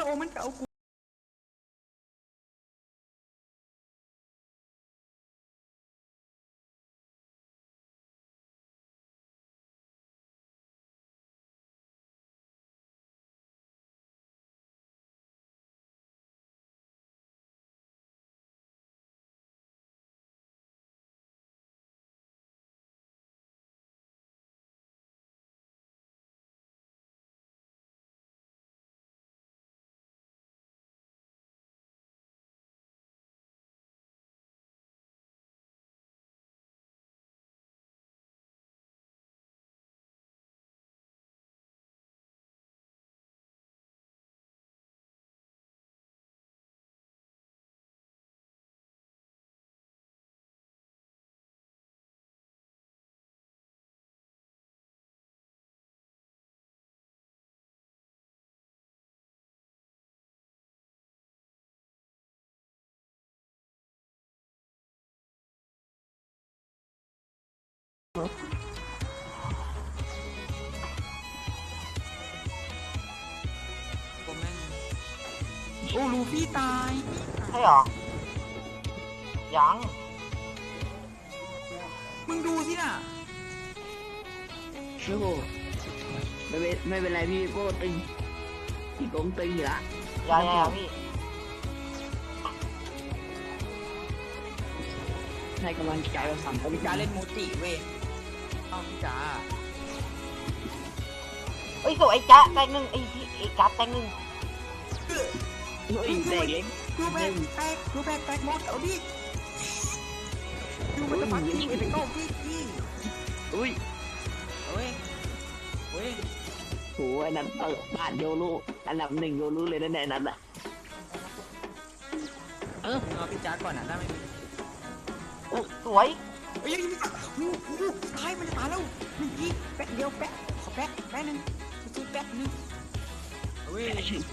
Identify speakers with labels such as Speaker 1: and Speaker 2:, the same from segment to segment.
Speaker 1: มันก็เอากูโอ้ลูฟี่ตาย
Speaker 2: ใช่หรอยัง
Speaker 1: มึงดูสิน่ะ
Speaker 3: โอ้โหไม่เป็นไรพี่โก้ตึงพี่โก้ตึงอยู่ละ
Speaker 2: ยังพี่
Speaker 3: ให้กำลังใจเราสั่ง
Speaker 1: พี่จ๋าเล่นโมจิเว้ยเอาพี่จ๋า
Speaker 2: เอ้ยสวยจ๊ะแตงหนึ่งไอ้พี่ไอ้จ๊ะแตงหนึ่ง
Speaker 3: เฮ้ยแดงเล็ก
Speaker 1: ดูแบกแตกหมดเอาดิดูมันจะฟังจริงไปโก้พี่
Speaker 3: อุ้ย
Speaker 1: เฮ้ยเฮ้ย
Speaker 3: โหอันนั้นเปิดบ้านโยรุอันดับหนึ่งโยรุเลยนะแน่นั้นอ่ะ
Speaker 1: เอาพี่จ๋าก่อนนะได้ไหม
Speaker 2: สวย
Speaker 1: เฮ้ยตายมันจะตายแล้วหนึ่งทีแป๊ะเดียวแป๊ะขอแป๊ะหนึ่งสู้แป๊ะหนึ่งเฮ้ย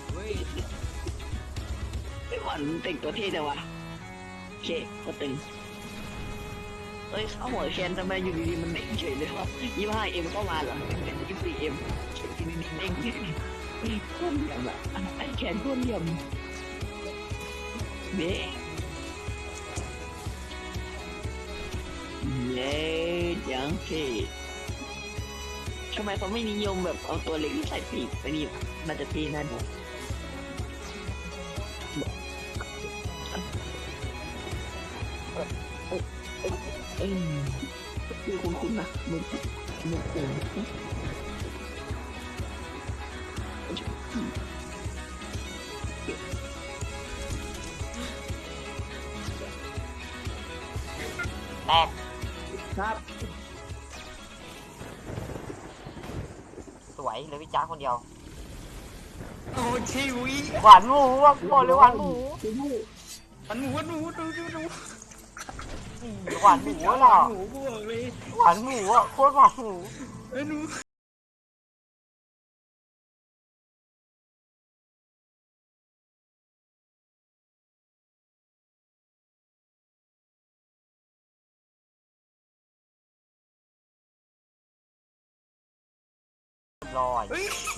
Speaker 3: ไอ้วันตึงตัวเท่จังวะโอเคก็ตึงเอ้ยเข้าหัวแคนทำไมอยู่ดีๆมันเด้งเฉยเลยวะ25M เข้ามาเหรอเป็น24M ทีนี้เด้งก้นเหลี่ยมอะไอ้แคนก้นเหลี่ยมเด้งเล่ยังเท่ทำไมเขาไม่นิยมแบบเอาตัวเล็กที่ใส่ปีกไปนี่มันจะเท่นั่นดูคุ้นๆนะมึงเอง
Speaker 2: แตก
Speaker 3: ครับ
Speaker 2: สวยเหลยพี่จ๊ะคนเดียว
Speaker 1: โอ้ชิวิ
Speaker 2: หวานหมูอ่ะบอกเลยหวานหมู
Speaker 1: มันหมูดู
Speaker 2: หวานหมูเหรอ
Speaker 1: หมูบวกเลย
Speaker 2: หวานหมูอ่ะโคตรหวานหมู
Speaker 1: เอ้ยหนู
Speaker 2: ลอย
Speaker 1: เฮ้ย